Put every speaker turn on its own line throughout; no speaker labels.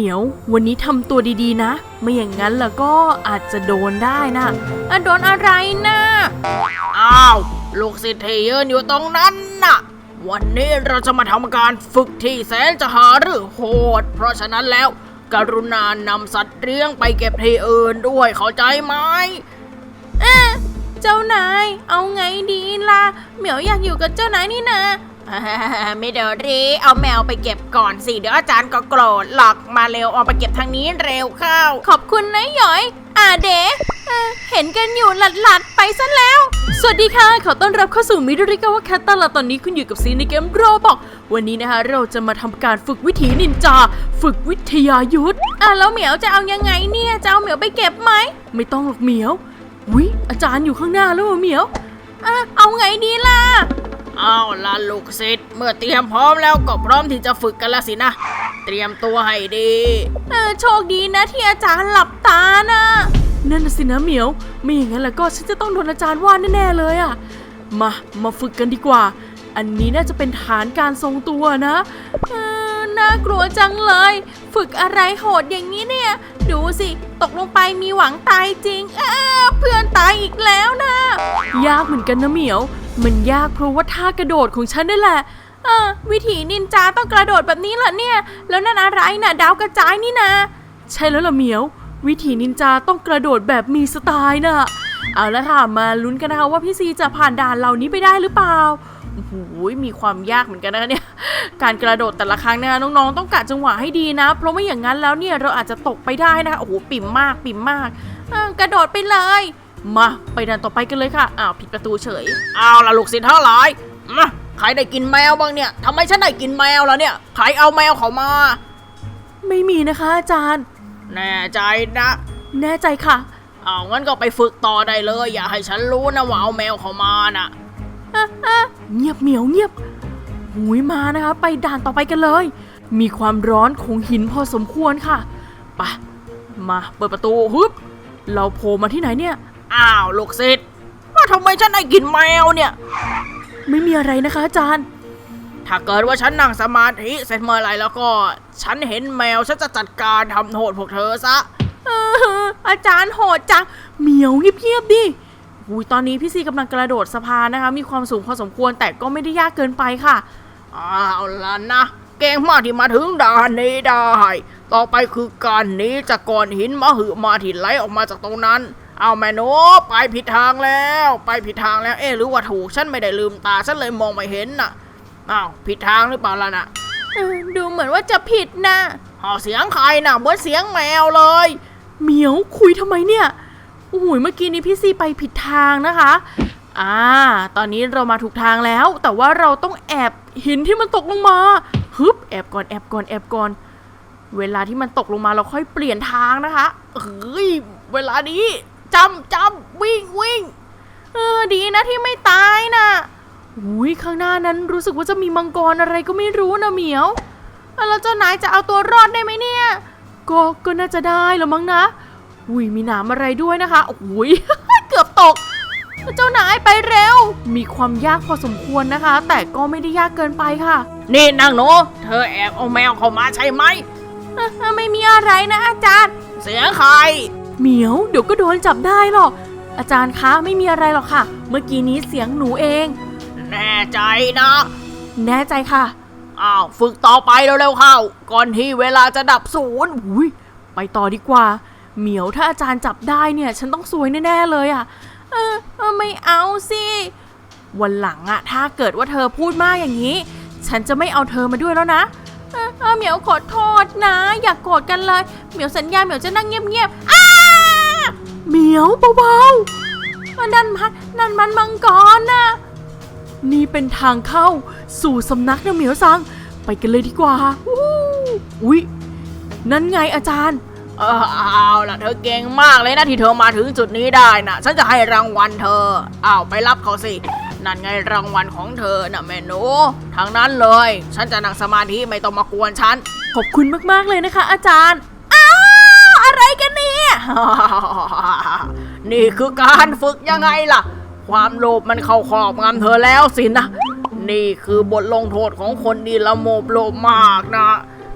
มียววันนี้ทำตัวดีๆนะไม่อย่างนั้นแล้วก็อาจจะโดนได้นะโดนอะไรนะ
อ้าวลูกศิษย์ที่ยืนอยู่ตรงนั้นน่ะวันนี้เราจะมาทำการฝึกที่แสนจะหาหรือโหดเพราะฉะนั้นแล้วกรุณานำสัตว์เลี้ยงไปเก็บที่อื่นด้วยเข้าใจไหม
เจ้านายเอาไงดีล่ะเหมียวอยากอยู่กับเจ้านายนี่นะ
ไม่เดี๋ยวรีเอาแมวไปเก็บก่อนสิเดี๋ยวอาจารย์ก็โกรธหรอกมาเร็วเอาไปเก็บทางนี้เร็วเข้า
ขอบคุณนะหยอยเด๋เห็นกันอยู่หลัดไปซะแล้วสวัสดีค่ะขอต้อนรับเข้าสู่มิดริกาวะแคตตาลาตอนนี้คุณอยู่กับซีในเกมโรบอกวันนี้นะคะเราจะมาทำการฝึกวิถีนินจาฝึกวิทยายุทธแล้วเหมียวจะเอายังไงเนี่ยจะเอาเหมียวไปเก็บไหมไม่ต้องหรอกเหมียววิอาจารย์อยู่ข้างหน้าแล้วเหมียวเอาไงดีล่ะ
เอาล่ะลูกศิษย์เมื่อเตรียมพร้อมแล้วก็พร้อมที่จะฝึกกันแล้วสินะเตรียมตัวให้ดี
โชคดีนะที่อาจารย์หลับตานะนั่นน่ะสินะเหมียวไม่อย่างนั้นแล้วก็ฉันจะต้องโดนอาจารย์ว่าแน่ๆเลยอ่ะมาฝึกกันดีกว่าอันนี้น่าจะเป็นฐานการทรงตัวนะน่ากลัวจังเลยฝึกอะไรโหดอย่างนี้เนี่ยดูสิตกลงไปมีหวังตายจริงเพื่อนตายอีกแล้วนะยากเหมือนกันนะเหมียวมันยากเพราะว่าท่ากระโดดของฉันนี่แหละวิถีนินจาต้องกระโดดแบบนี้เหรอเนี่ยแล้วนั่นอะไรน่ะดาวกระจายนี่นะใช่แล้วล่ะเหมียววิถีนินจาต้องกระโดดแบบมีสไตล์น่ะเอาละค่ะมาลุ้นกันนะคะว่าพี่ซีจะผ่านด่านเหล่านี้ไปได้หรือเปล่าโอ้โหมีความยากเหมือนกันนะเนี่ยการกระโดดแต่ละครั้งนะน้องๆต้องกะจังหวะให้ดีนะเพราะไม่อย่างนั้นแล้วเนี่ยเราอาจจะตกไปได้นะคะโอ้โหปิ่มมากกระโดดไปเลยมาไปด่านต่อไปกันเลยค่ะผิดประตูเฉย
เอาล่ะลูกศิษย์ทั้งหลายมาใครได้กินแมวบ้างเนี่ยทำไมฉันได้กินแมวล่ะเนี่ยใครเอาแมวเขามา
ไม่มีนะคะอาจารย์
แน่ใจนะ
แน่ใจค่ะ
งั้นก็ไปฝึกต่อได้เลยอย่าให้ฉันรู้นะว่าเอาแมวเขามาน่ะ
เงียบเหมียวเงียบหุยมานะคะไปด่านต่อไปกันเลยมีความร้อนของหินพอสมควรค่ะไปมาเปิดประตูฮึบเราโผล่มาที่ไหนเนี่ย
ลูกศิษย์ทำไมฉันได้กินแมวเนี่ย
ไม่มีอะไรนะคะอาจารย์
ถ้าเกิดว่าฉันนั่งสมาธิเสร็จเมื่อไรแล้วก็ฉันเห็นแมวฉันจะจัดการทำโทษพวกเธอซะ
อาจารย์โหดจังเหมียวเงียบๆดิตอนนี้พี่ซีกำลังกระโดดสะพานนะคะมีความสูงพอสมควรแต่ก็ไม่ได้ยากเกินไปค่ะ
เอาล่ะนะเก่งมากที่มาถึงด่านนี้ได้ต่อไปคือการหนีจากก้อนหินมหึมาที่ไหลออกมาจากตรงนั้นเอาแม่หนูไปผิดทางแล้วหรือว่าถูกฉันไม่ได้ลืมตาฉันเลยมองไม่เห็นน่ะผิดทางหรือเปล่าล่ะน่ะ
ดูเหมือนว่าจะผิดนะ
เสียงใครน่ะเหมือนเสียงแมวเลย
เหมียวคุยทำไมเนี่ยโอ้โหเมื่อกี้นี้พี่ซีไปผิดทางนะคะตอนนี้เรามาถูกทางแล้วแต่ว่าเราต้องแอบหินที่มันตกลงมาฮึบแอบก่อนเวลาที่มันตกลงมาเราค่อยเปลี่ยนทางนะคะเวลานี้จำวิ่งดีนะที่ไม่ตายนะข้างหน้านั้นรู้สึกว่าจะมีมังกรอะไรก็ไม่รู้นะเหมียวแล้วเจ้านายจะเอาตัวรอดได้ไหมเนี่ยก็น่าจะได้แล้วมั้งนะมีหนามอะไรด้วยนะคะเกือบตกเจ้านายไปเร็วมีความยากพอสมควรนะคะแต่ก็ไม่ได้ยากเกินไปค่ะ
นี่นางหนูเธอแอบเอาแมวเข้ามาใช่ไหม
ไม่มีอะไรนะอาจารย์
เสียงใคร
เหมียวเดี๋ยวก็โดนจับได้หรอกอาจารย์คะไม่มีอะไรหรอกค่ะเมื่อกี้นี้เสียงหนูเอง
แน่ใจนะ
แน่ใจค่ะ
ฝึกต่อไปเร็วๆเข้าก่อนที่เวลาจะดับศูนย์
ไปต่อดีกว่าเหมียวถ้าอาจารย์จับได้เนี่ยฉันต้องซวยแน่ๆเลยไม่เอาสิวันหลังถ้าเกิดว่าเธอพูดมากอย่างนี้ฉันจะไม่เอาเธอมาด้วยแล้วนะเหมียวขอโทษนะอย่ากโกรธกันเลยเหมียวสัญญาเหมียวจะนั่งเงียบๆเหมียวเบาๆนั่นมันมังกรนะนี่เป็นทางเข้าสู่สำนักนะเหมียวซังไปกันเลยดีกว่านั่นไงอาจารย์
เอาล่ะเธอเก่งมากเลยนะที่เธอมาถึงจุดนี้ได้นะฉันจะให้รางวัลเธอไปรับเขาสินั่นไงรางวัลของเธอน่ะแม่หนูทางนั้นเลยฉันจะนั่งสมาธิไม่ต้องมากวนฉัน
ขอบคุณมากๆเลยนะคะอาจารย์อะไรกันเนี่ย
นี่คือการฝึกยังไงล่ะความโลภมันเข้าครอบงำเธอแล้วสินะนี่คือบทลงโทษของคนดีละโมบโลภมากนะ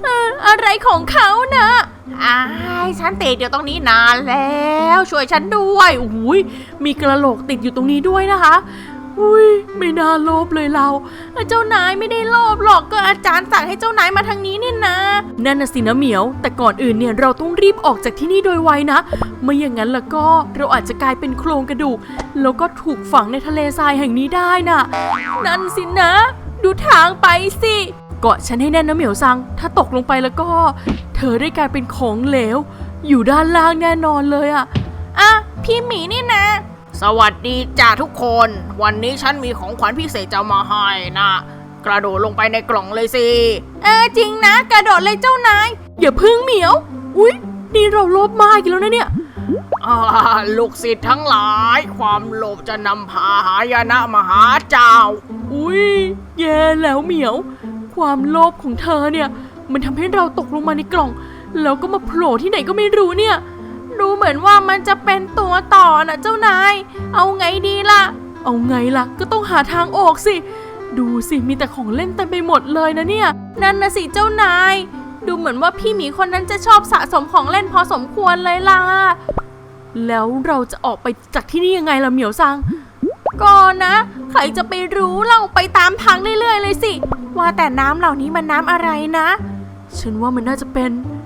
อะไรของเขานะ
ฉันติดอยู่ตรงนี้นานแล้วช่วยฉันด้วย
อุ้ยมีกระโหลกติดอยู่ตรงนี้ด้วยนะคะอุ้ยไม่น่าโลภเลยเราเจ้านายไม่ได้โลภหรอกก็อาจารย์สั่งให้เจ้านายมาทางนี้เนี่ยนะนั่นน่ะสินะเหมียวแต่ก่อนอื่นเนี่ยเราต้องรีบออกจากที่นี่โดยไวนะไม่อย่างนั้นแล้วก็เราอาจจะกลายเป็นโครงกระดูกแล้วก็ถูกฝังในทะเลทรายแห่งนี้ได้น่ะนั่นสินะ ดูทางไปสิเกาะฉันให้แน่นนะเหมียวซังถ้าตกลงไปแล้วก็เธอได้กลายเป็นของเหลวอยู่ด้านล่างแน่นอนเลยอะพี่หมีนี่นะ
สวัสดีจ้าทุกคนวันนี้ฉันมีของขวัญพิเศษจะมาให้นะกระโดดลงไปในกล่องเลยสิ
จริงนะกระโดดเลยเจ้านายอย่าพึ่งเหมียวอุ๊ยนี่เราโลภมากอีกแล้วนะเนี่ย
ลูกศิษย์ทั้งหลายความโลภจะนำพาหายนะมาหาเจ้า
อุ๊ยแย่แล้วเหมียวความโลภของเธอเนี่ยมันทำให้เราตกลงมาในกล่องแล้วก็มาโผล่ที่ไหนก็ไม่รู้เนี่ยดูเหมือนว่ามันจะเป็นตัวต่อนะเจ้านายเอาไงดีล่ะเอาไงล่ะก็ต้องหาทางออกสิดูสิมีแต่ของเล่นเต็มไปหมดเลยนะเนี่ยนั่นนะสิเจ้านายดูเหมือนว่าพี่หมีคนนั้นจะชอบสะสมของเล่นพอสมควรเลยล่ะแล้วเราจะออกไปจากที่นี่ยังไงล่ะเหมียวซังก็นะใครจะไปรู้เราไปตามทางเรื่อยๆเลยสิว่าแต่น้ำเหล่านี้มันน้ำอะไรนะฉันว่ามันน่าจะเป็น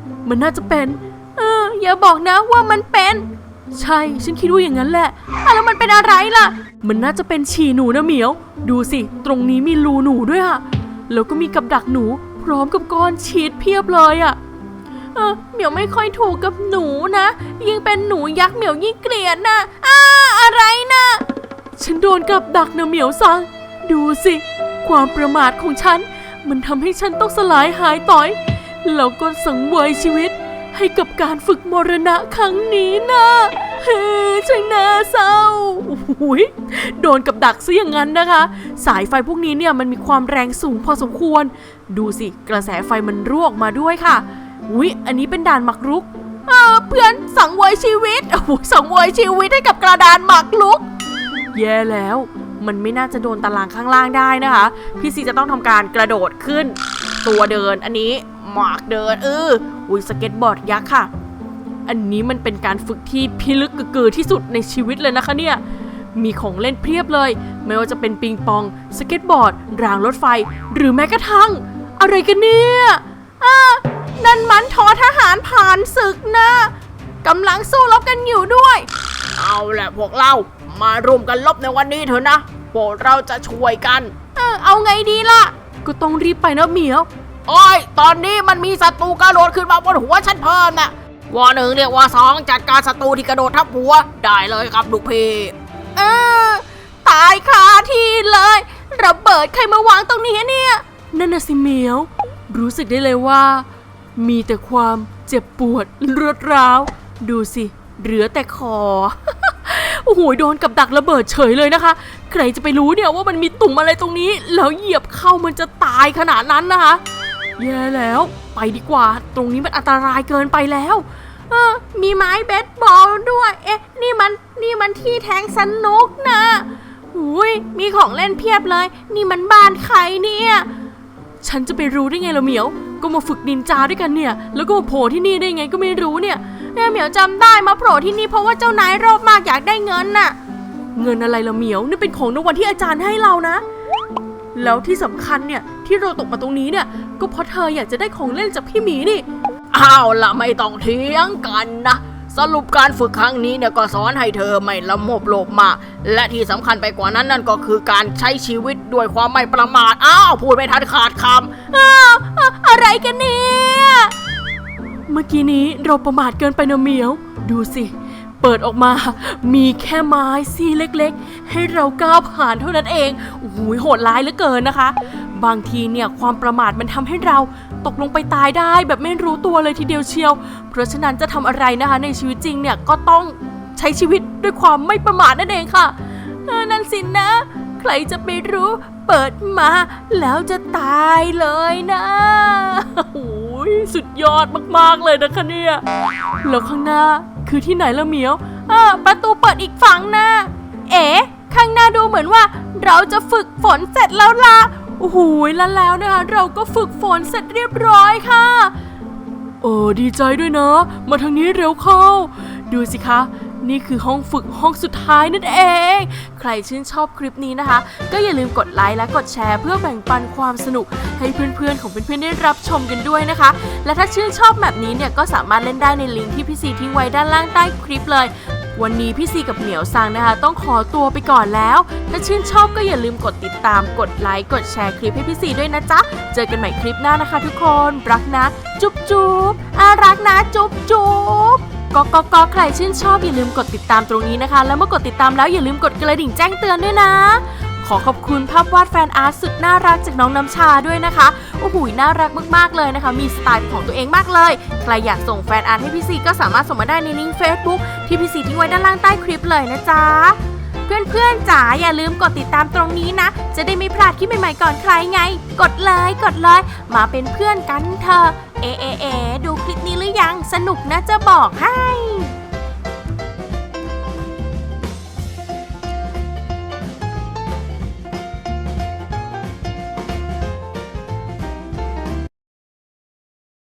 อย่าบอกนะว่ามันเป็นใช่ฉันคิดว่าอย่างนั้นแหละแล้วมันเป็นอะไรล่ะมันน่าจะเป็นฉี่หนูนะเหมียวดูสิตรงนี้มีรูหนูด้วยอะแล้วก็มีกับดักหนูพร้อมกับก้อนชีสเพียบเลยอะเหมียวไม่ค่อยถูกกับหนูนะยิ่งเป็นหนูยักษ์เหมียวยิ่งเกลียดนะอะไรนะฉันโดนกับดักนะเหมียวซังดูสิความประมาทของฉันมันทำให้ฉันต้องสลายหายต่อยแล้วก็สังเวยชีวิตให้กับการฝึกมรณะครั้งนี้นะช่างน่าเศร้าโดนกับดักซะอย่างนั้นนะคะสายไฟพวกนี้เนี่ยมันมีความแรงสูงพอสมควรดูสิกระแสไฟมันรั่วออกมาด้วยค่ะอันนี้เป็นด่านหมากรุกเพื่อนสังเวยชีวิตสังเวยชีวิตให้กับกระดานหมากรุกแย่แล้วมันไม่น่าจะโดนตารางข้างล่างได้นะคะพี่ซีจะต้องทำการกระโดดขึ้นตัวเดินอันนี้หมากเดินสเก็ตบอร์ดยักษ์ค่ะอันนี้มันเป็นการฝึกที่พิลึกกระกือที่สุดในชีวิตเลยนะคะเนี่ยมีของเล่นเพียบเลยไม่ว่าจะเป็นปิงปองสเก็ตบอร์ดรางรถไฟหรือแม้กระทั่งอะไรกันเนี่ยนั่นมันทอทหารผ่านศึกนะกำลังสู้รบกันอยู่ด้วย
เอาแหละพวกเรามาร่วมกันรบในวันนี้เถอะนะพวกเราจะช่วยกัน
เอาไงดีล่ะก็ต้องรีบไปนะเหมียว
ตอนนี้มันมีศัตรูกระโดดขึ้นมาบนหัวฉันเพิ่มนะว่าหนึ่งเรียกว่าสองจัดการศัตรูที่กระโดดทับหัวได้เลยครับลูกพี่
ตายคาที่เลยระเบิดใครมาวางตรงนี้เนี่ยนั่นน่ะสิเหมียวรู้สึกได้เลยว่ามีแต่ความเจ็บปวดรวดร้าวดูสิเหลือแต่คอ โอ้โหโดนกับดักระเบิดเฉยเลยนะคะใครจะไปรู้เนี่ยว่ามันมีตุ่มอะไรตรงนี้แล้วเหยียบเข้ามันจะตายขนาดนั้นนะคะแย่แล้วไปดีกว่าตรงนี้มันอันตรายเกินไปแล้วมีไม้เบสบอลด้วยนี่มันที่แทงสนุกนะมีของเล่นเพียบเลยนี่มันบ้านใครเนี่ยฉันจะไปรู้ได้ไงล่ะเหมียวก็มาฝึกนินจาด้วยกันเนี่ยแล้วก็มาโผล่ที่นี่ได้ไงก็ไม่รู้เนี่ยเหมียวจำได้มาโผล่ที่นี่เพราะว่าเจ้านายโลภมากอยากได้เงินน่ะเงินอะไรล่ะเหมียวนี่เป็นของรางวัลที่อาจารย์ให้เรานะแล้วที่สำคัญเนี่ยที่เราตกมาตรงนี้เนี่ยก็เพราะเธออยากจะได้ของเล่นจากพี่หมีนี่
เอาล่ะไม่ต้องเถียงกันนะสรุปการฝึกครั้งนี้เนี่ยก็สอนให้เธอไม่ละโมบโลภมากและที่สำคัญไปกว่านั้นนั่นก็คือการใช้ชีวิตด้วยความไม่ประมาทพูดไม่ทันขาดค
ำอะไรกันเนี่ยเมื่อกี้นี้เราประมาทเกินไปนะเหมียวดูสิเปิดออกมามีแค่ไม้ซี่เล็กๆให้เราก้าวผ่านเท่านั้นเองโหดร้ายเหลือเกินนะคะบางทีเนี่ยความประมาทมันทำให้เราตกลงไปตายได้แบบไม่รู้ตัวเลยทีเดียวเชียวเพราะฉะนั้นจะทำอะไรนะคะในชีวิตจริงเนี่ยก็ต้องใช้ชีวิตด้วยความไม่ประมาทนั่นเองค่ะนั่นสินะใครจะไปรู้เปิดมาแล้วจะตายเลยนะสุดยอดมากๆเลยนะคะเนี่ยแล้วข้างหน้าคือที่ไหนล่ะเหมียวประตูเปิดอีกฝั่งนะข้างหน้าดูเหมือนว่าเราจะฝึกฝนเสร็จแล้วล่ะโอ้โหแล้วนะคะเราก็ฝึกฝนเสร็จเรียบร้อยค่ะดีใจด้วยนะมาทางนี้เร็วเข้าดูสิคะนี่คือห้องฝึกห้องสุดท้ายนั่นเองใครชื่นชอบคลิปนี้นะคะก็อย่าลืมกดไลค์และกดแชร์เพื่อแบ่งปันความสนุกให้เพื่อนๆของเพื่อนๆได้รับชมกันด้วยนะคะและถ้าชื่นชอบแบบนี้เนี่ยก็สามารถเล่นได้ในลิงก์ที่พี่ซีทิ้งไว้ด้านล่างใต้คลิปเลยวันนี้พี่ซีกับเหมียวซังนะคะต้องขอตัวไปก่อนแล้วถ้าชื่นชอบก็อย่าลืมกดติดตามกดไลค์กดแชร์คลิปให้พี่ซีด้วยนะจ๊ะเจอกันใหม่คลิปหน้านะคะทุกคนรักนะจุ๊บจุ๊บรักนะจุ๊บจุ๊บก็ใครชื่นชอบอย่าลืมกดติดตามตรงนี้นะคะแล้วเมื่อกดติดตามแล้วอย่าลืมกดกระดิ่งแจ้งเตือนด้วยนะขอขอบคุณภาพวาดแฟนอาร์ตสุดน่ารักจากน้องน้ำชาด้วยนะคะโอ้โหน่ารักมากๆเลยนะคะมีสไตล์ของตัวเองมากเลยใครอยากส่งแฟนอาร์ตให้พี่ซีก็สามารถส่งมาได้ในลิงก์ Facebook ที่พี่ซีทิ้งไว้ด้านล่างใต้คลิปเลยนะจ๊ะเพื่อนๆจ๋าอย่าลืมกดติดตามตรงนี้นะจะได้ไม่พลาดคลิปใหม่ๆก่อนใครไงกดเลยมาเป็นเพื่อนกันเถอะดูคลิปนี้หรือยังสนุกนะจะบอกให้